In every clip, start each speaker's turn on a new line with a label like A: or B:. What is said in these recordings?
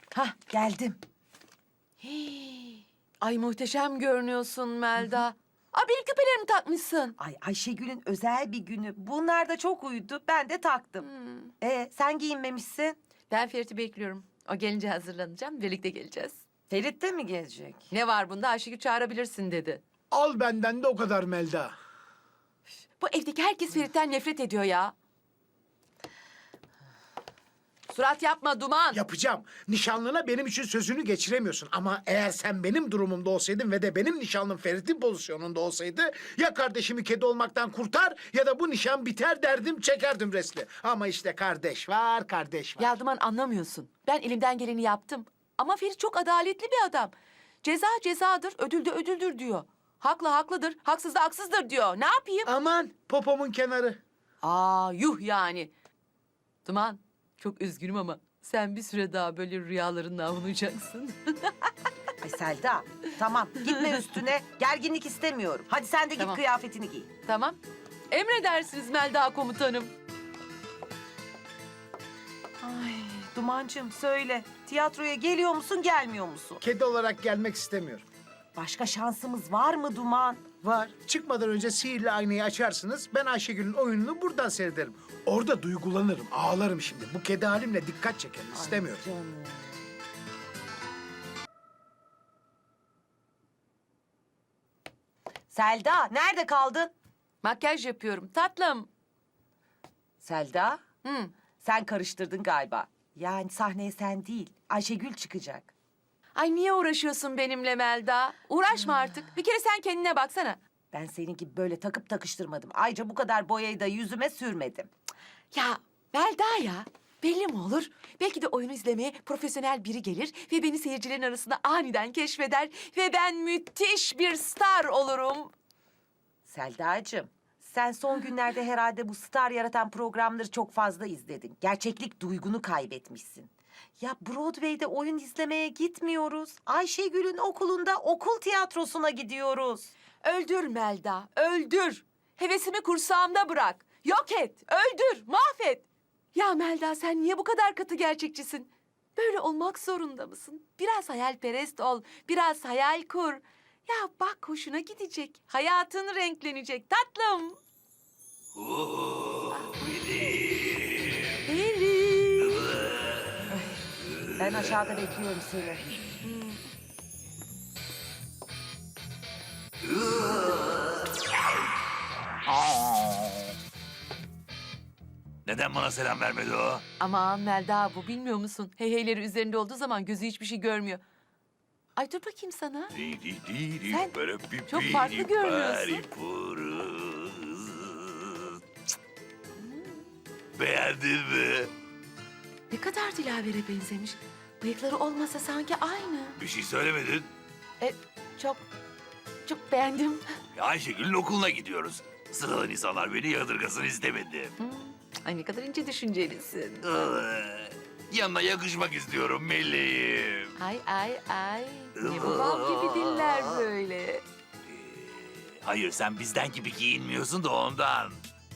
A: Hah, geldim.
B: Hii. Ay muhteşem görünüyorsun Melda. Aa, benim küpelerimi takmışsın.
A: Ay Ayşegül'ün özel bir günü. Bunlar da çok uydu. Ben de taktım. Sen giyinmemişsin.
B: Ben Ferit'i bekliyorum. O gelince hazırlanacağım. Birlikte geleceğiz.
A: Ferit de mi gelecek?
B: Ne var bunda? Ayşegül çağırabilirsin dedi.
C: Al benden de o kadar Melda.
B: Bu evdeki herkes Ferit'ten nefret ediyor ya. Surat yapma Duman.
C: Yapacağım. Nişanlına benim için sözünü geçiremiyorsun. Ama eğer sen benim durumumda olsaydın ve de benim nişanlım Ferit'in pozisyonunda olsaydı... ...ya kardeşimi kedi olmaktan kurtar ya da bu nişan biter derdim çekerdim resmi. Ama işte kardeş var, kardeş var.
B: Ya Duman anlamıyorsun. Ben elimden geleni yaptım. Ama Ferit çok adaletli bir adam. Ceza cezadır, ödül de ödüldür diyor. Haklı haklıdır, haksız da haksızdır diyor. Ne yapayım?
C: Aman popomun kenarı.
B: Aa yuh yani. Duman çok üzgünüm ama sen bir süre daha böyle rüyalarınla avunacaksın.
A: Ay Selda, tamam gitme üstüne. Gerginlik istemiyorum. Hadi sen de git
B: Tamam.
A: kıyafetini giy.
B: Tamam. Emredersiniz Melda komutanım.
A: Ay Dumancığım söyle. Tiyatroya geliyor musun, gelmiyor musun?
C: Kedi olarak gelmek istemiyorum.
A: Başka şansımız var mı Duman?
C: Var. Çıkmadan önce sihirli aynayı açarsınız. Ben Ayşegül'ün oyununu buradan seyrederim. Orada duygulanırım, ağlarım şimdi. Bu kedi halimle dikkat çekerim. İstemiyorum.
A: Ay canım. Selda, nerede kaldın?
B: Makyaj yapıyorum tatlım.
A: Selda,
B: Hı.
A: sen karıştırdın galiba. Yani sahneye sen değil, Ayşegül çıkacak.
B: Ay niye uğraşıyorsun benimle Melda? Uğraşma artık. Bir kere sen kendine baksana.
A: Ben senin gibi böyle takıp takıştırmadım. Ayrıca bu kadar boyayı da yüzüme sürmedim.
B: Ya Melda ya. Belli mi olur? Belki de oyunu izlemeye profesyonel biri gelir ve beni seyircilerin arasında aniden keşfeder ve ben müthiş bir star olurum.
A: Selda'cığım, sen son günlerde herhalde bu star yaratan programları çok fazla izledin. Gerçeklik duygunu kaybetmişsin. Ya Broadway'de oyun izlemeye gitmiyoruz. Ayşegül'ün okulunda okul tiyatrosuna gidiyoruz.
B: Öldür Melda, öldür. Hevesimi kursağımda bırak. Yok et, öldür, mahvet. Ya Melda sen niye bu kadar katı gerçekçisin? Böyle olmak zorunda mısın? Biraz hayalperest ol, biraz hayal kur. Ya bak hoşuna gidecek, hayatın renklenecek tatlım. Ferit.
A: Ben aşağıda bekliyorum seni.
D: Neden bana selam vermedi o?
B: Aman Melda bu bilmiyor musun? Heyheyleri üzerinde olduğu zaman gözü hiçbir şey görmüyor. Ay dur bakayım sana. Sen çok farklı görünüyorsun.
D: Beğendin mi?
B: Ne kadar Dilaver'e benzemiş. Bıyıkları olmasa sanki aynı.
D: Bir şey söylemedin.
B: Çok, çok beğendim.
D: Ayşegül'ün okuluna gidiyoruz. Sıradan insanlar beni yadırgasın istemedim.
B: Ay ne kadar ince düşüncelisin.
D: Yanına yakışmak istiyorum meleğim.
B: Ay. Ne bu bal gibi diller böyle.
D: Hayır sen bizden gibi giyinmiyorsun da ondan.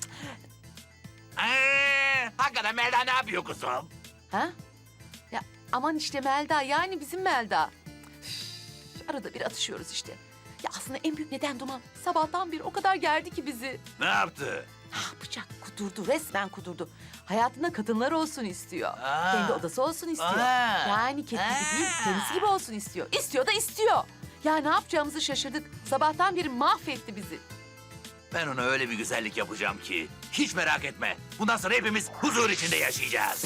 D: Hakikaten Melda ne yapıyor kuzum?
B: Ha? Ya aman işte Melda yani bizim Melda. Üf, arada bir atışıyoruz işte. Ya aslında en büyük neden Duman. Sabahtan beri o kadar gerdi ki bizi.
D: Ne yaptı?
B: Ne yapacak? Kudurdu, resmen kudurdu. Hayatında kadınlar olsun istiyor.
D: Aa.
B: Kendi odası olsun istiyor.
D: Aa.
B: Yani kedi gibi değil, kendisi gibi olsun istiyor. İstiyor da istiyor. Ya ne yapacağımızı şaşırdık. Sabahtan beri mahvetti bizi.
D: Ben ona öyle bir güzellik yapacağım ki hiç merak etme. Bundan sonra hepimiz huzur içinde yaşayacağız.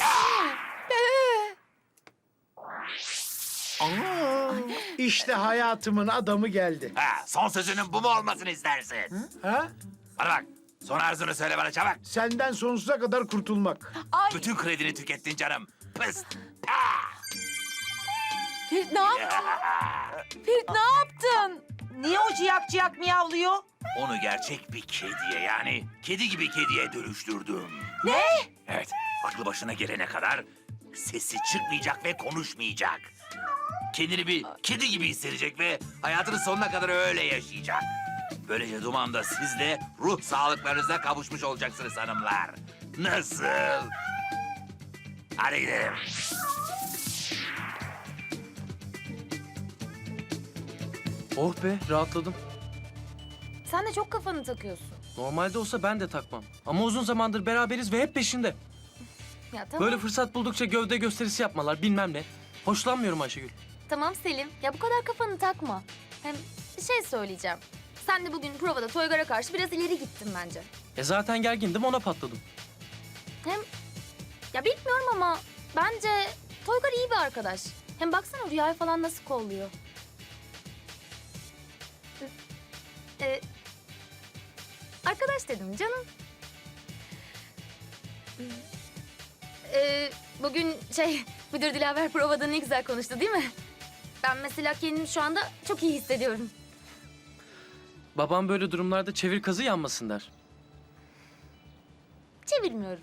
C: İşte hayatımın adamı geldi.
D: Ha, son sözünün bu mu olmasını istersin?
C: Ha?
D: Bana bak. Son arzunu söyle bana çabuk.
C: Senden sonsuza kadar kurtulmak.
B: Ay
D: Bütün kredini tükettin canım. Pıst.
B: Ferit ne yaptın? Ferit ne yaptın?
A: Niye o ciyak ciyak miyavlıyor?
D: Onu gerçek bir kediye yani kedi gibi kediye dönüştürdüm.
B: Ne?
D: Evet, aklı başına gelene kadar sesi çıkmayacak ve konuşmayacak. Kendini bir kedi gibi hissedecek ve hayatının sonuna kadar öyle yaşayacak. Böylece Duman'da siz de ruh sağlıklarınıza kavuşmuş olacaksınız hanımlar. Nasıl? Hadi gidelim.
E: Oh be, rahatladım.
F: Sen de çok kafanı takıyorsun.
E: Normalde olsa ben de takmam. Ama uzun zamandır beraberiz ve hep peşinde.
F: Ya tamam.
E: Böyle fırsat buldukça gövde gösterisi yapmalar, bilmem ne. Hoşlanmıyorum Ayşegül.
F: Tamam Selim. Ya bu kadar kafanı takma. Hem bir şey söyleyeceğim. Sen de bugün provada Toygar'a karşı biraz ileri gittin bence.
E: Zaten gergindim, ona patladım.
F: Hem ya bilmiyorum ama bence Toygar iyi bir arkadaş. Hem baksana Rüya'yı falan nasıl kolluyor. Arkadaş dedim canım. Bugün müdür Dilaver provada ne güzel konuştu değil mi? Ben mesela kendimi şu anda çok iyi hissediyorum.
E: Babam böyle durumlarda çevir kazı yanmasın der.
F: Çevirmiyorum.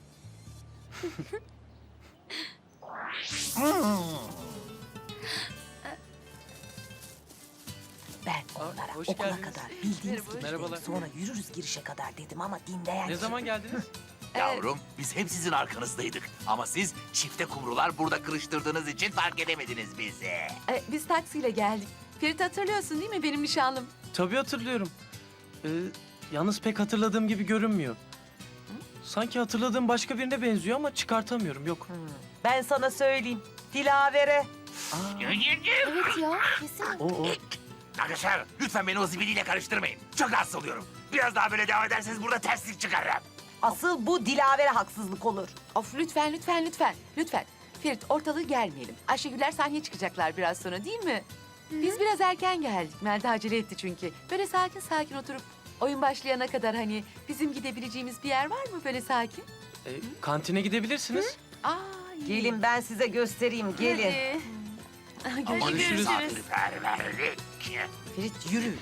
A: Ben onlara
E: hoş
A: okula
E: geldiniz.
A: kadar bildiğiniz
B: Merhaba.
A: gibi
E: Merhabalar.
A: gidelim, sonra yürürüz girişe kadar dedim ama dinleyen
E: Ne zaman geldiniz?
D: Yavrum biz hep sizin arkanızdaydık. Ama siz çifte kumrular burada kırıştırdığınız için fark edemediniz bizi.
B: Biz taksiyle geldik. Ferit hatırlıyorsun değil mi benim nişanlım?
E: Tabii hatırlıyorum. Yalnız pek hatırladığım gibi görünmüyor. Sanki hatırladığım başka birine benziyor ama çıkartamıyorum, yok.
A: Ben sana söyleyeyim. Dilavere.
F: Evet ya kesin.
E: O.
D: Arkadaşlar lütfen beni o zibidiyle karıştırmayın. Çok rahatsız oluyorum. Biraz daha böyle devam ederseniz burada terslik çıkarırım.
A: Asıl bu Dilavere haksızlık olur.
B: Of lütfen. Lütfen. Ferit ortalığı gelmeyelim. Ayşegüller sahneye çıkacaklar biraz sonra değil mi? Biz biraz erken geldik. Melda acele etti çünkü. Böyle sakin oturup oyun başlayana kadar hani bizim gidebileceğimiz bir yer var mı böyle sakin?
E: Kantine gidebilirsiniz.
B: Aa, iyi.
A: Gelin ben size göstereyim, gelin.
B: Hadi.
D: Aman
E: Görüşürüz.
D: misafirperverlik.
A: Ferit yürü.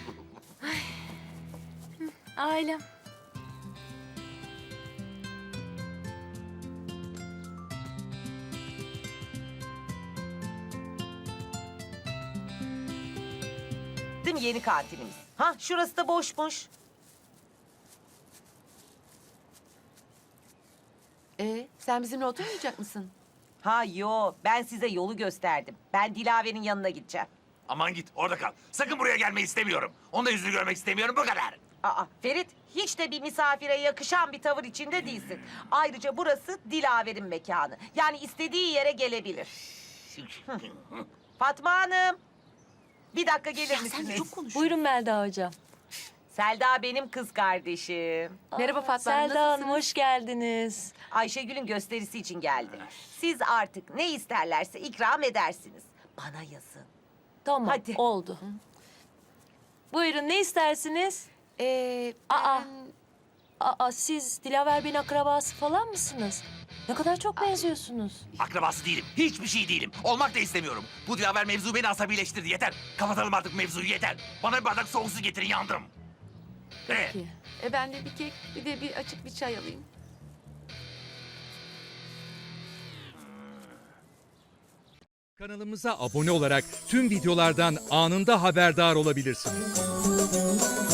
F: Ailem.
A: Değil mi yeni kantinimiz? Ha şurası da boşmuş.
B: Sen bizimle oturmayacak mısın?
A: Ha yo ben size yolu gösterdim. Ben Dilaver'in yanına gideceğim.
D: Aman git orada kal. Sakın buraya gelmeyi istemiyorum. Onun da yüzünü görmek istemiyorum bu kadar.
A: Aa Ferit hiç de bir misafire yakışan bir tavır içinde değilsin. Ayrıca burası Dilaver'in mekanı. Yani istediği yere gelebilir. Fatma Hanım. Bir dakika gelir misiniz?
G: Buyurun Melda Hocam.
A: Selda benim kız kardeşim.
B: Merhaba Fatma Hanım,
G: Selda Hanım
B: nasılsınız?
G: hoş geldiniz.
A: Ayşegül'ün gösterisi için geldi. Siz artık ne isterlerse ikram edersiniz. Bana yazın.
G: Tamam
A: Hadi.
G: oldu. Buyurun ne istersiniz? Aa. Aa siz Dilaver Bey'in akrabası falan mısınız? Ne kadar çok benziyorsunuz.
D: Akrabası değilim. Hiçbir şey değilim. Olmak da istemiyorum. Bu Dilaver mevzu beni asabileştirdi. Yeter. Kapatalım artık mevzuyu yeter. Bana bir bardak soğuk su getirin yandım.
B: Peki. Ben de bir kek, bir de bir açık bir çay alayım.
H: Kanalımıza abone olarak tüm videolardan anında haberdar olabilirsiniz.